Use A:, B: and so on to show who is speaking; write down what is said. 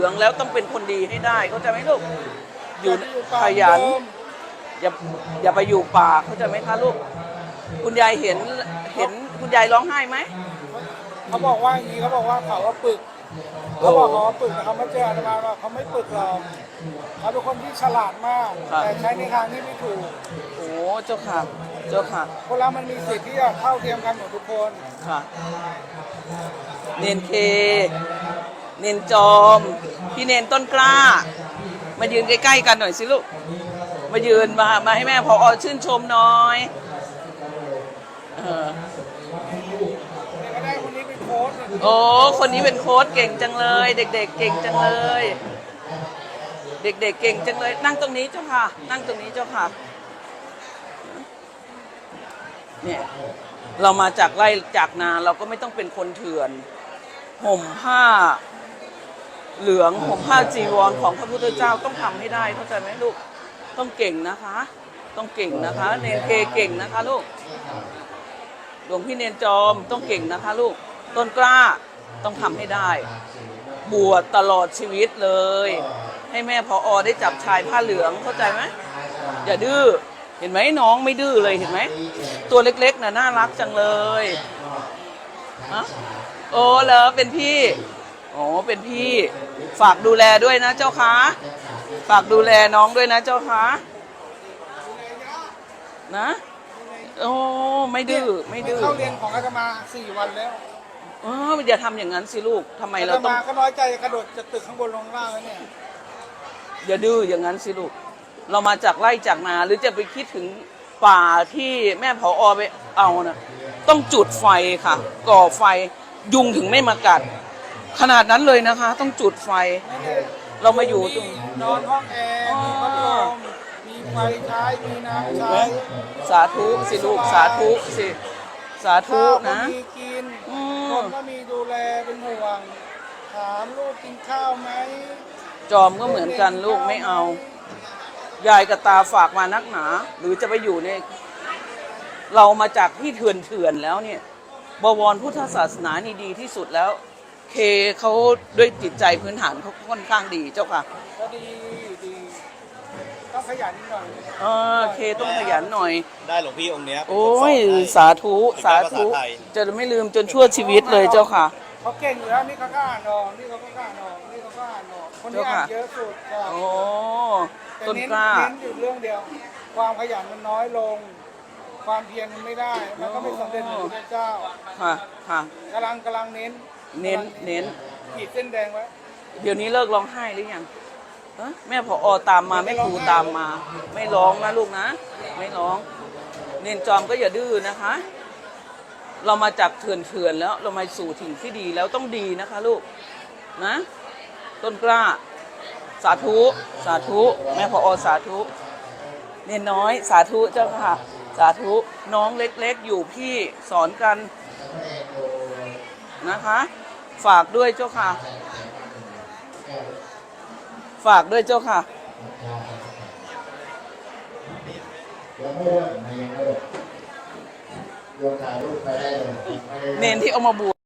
A: องแล้วต้องเป็นคนดีให้ได้เข้าใจไหมลูกอยู่ขยันอย่าไปอยู่ป่าเข้าใจไหมคะลูกคุณยายเห็นคุณยายร้องไห้ไหม
B: เขาบอกว่าอย่างนี้เขาบอกว่าเขาว่าปึกเขาบอกเขาว่าปึกแต่เขาไม่เจออาตมาว่าเขาไม่ปึกหรอกเขาเป็นคนที่ฉลาดมากแต่ใช้ในทางที่ไม่ถูก
A: โอ้เจ้าค่ะเจ้าค่ะ
B: คนเรามันมีสิทธิ์ที่จะเท่าเทียมกันหมดทุกคน
A: ค่ะเนนเคเนนจอมพี่เนนต้นกล้ามายืนใกล้ๆกันหน่อยสิลูกมายืนมาให้แม่พอชื่นชมหน่อยโอ้คนนี้เป็นโค้ชเก่งจังเลยเด็กๆเก่งจังเลยเด็กๆเก่งจังเลยนั่งตรงนี้เจ้าค่ะนั่งตรงนี้เจ้าค่ะเนี่ยเรามาจากไร่จากนาเราก็ไม่ต้องเป็นคนเถื่อนห่มผ้าเหลืองห่มผ้าจีวรของพระพุทธเจ้าต้องทำให้ได้เข้าใจไหมลูกต้องเก่งนะคะต้องเก่งนะคะเนนเคเก่งนะคะลูกหลวงพี่เนนจอมต้องเก่งนะคะลูกต้นกล้าต้องทำให้ได้บวชตลอดชีวิตเลยให้แม่พอได้จับชายผ้าเหลืองเข้าใจไหมอย่าดื้อเห็นไหมน้องไม่ดื้อเลยเห็นไหมตัวเล็กๆน่ะน่ารักจังเลยฮะโอ้เหรอเป็นพี่โอ้เป็นพี่ฝากดูแลด้วยนะเจ้าคะฝากดูแลน้องด้วยนะเจ้าคะนะโอ้ไม่ดื้อไม่ดื้อ
B: เข้าเรียนของอาตมา4 วันแล้ว
A: อย่าทำอย่างนั้นสิลูกทำไมเราต้อง
B: ก็น้อยใจกระโดดจะตึกข้างบนลงล่างแล้วเนี่ย
A: อย่าดื้ออย่างนั้นสิลูกเรามาจากไร่จากนาหรือจะไปคิดถึงป่าที่แม่ผอไปเอานะต้องจุดไฟค่ะก่อไฟยุงถึงไม่มากัดขนาดนั้นเลยนะคะต้องจุดไฟเรามาอยู่ตรง
B: นอนห้องแอร์มีพัดลมมีไฟใช้มีน้ำใช้
A: สาธุสิลูกสาธุสิสาธุนะ
B: มีกินคนก็มีดูแลเป็นห่วงถามลูกกินข้าวไหม
A: จอมก็เหมือนกันลูกไม่เอายายกับตาฝากมานักหนาหรือจะไปอยู่ในเรามาจากที่เถื่อนแล้วเนี่ยบวรพุทธศาสนานี่ดีที่สุดแล้วเคเขาด้วยจิตใจพื้นฐานเขาค่อนข้างดีเจ้าค่ะ
B: ก็ดีต้องขยันหน่อย
A: เคต้องขยันหน่อย
C: ได้หลวงพี่องค์เนี้ย
A: โอ้ยสาธุสาธุจะไม่ลืมจนชั่วชีวิตเลยเจ้าค่ะ
B: เขาเก่งอยู่แล้วนี่เขาก็อ่านออกนี่เขาก็อ่านออกนี่เขาก็อ่านออกคนที่อ่านเยอะสุด
A: โอ้ต้นกล้า
B: เน้นอยู่เรื่องเดียวความขยันมันน้อยลงความเพียรมันไม่ได้มันก็ไม่สำเร็จเหมือนพระเจ้า
A: ค่ะ
B: กำลังเน้นขีดเส้นแดงไว้
A: เดี๋ยวนี้เลิกร้องไห้หรือยังแม่ผอตามมาแม่ครูตามมาไม่ร้องนะลูกนะไม่ร้องเนนจอมก็อย่าดื้อนะคะเรามาจากเถื่อนแล้วเรามาสู่ถิ่นที่ดีแล้วต้องดีนะคะลูกนะต้นกล้าสาธุสาธุแม่ผอสาธุเนนน้อยสาธุเจ้าค่ะสาธุน้องเล็กๆอยู่พี่สอนกันนะคะฝากด้วยเจ้าค่ะฝากด้วยเจ้าค่ะเนนที่เอามาบวช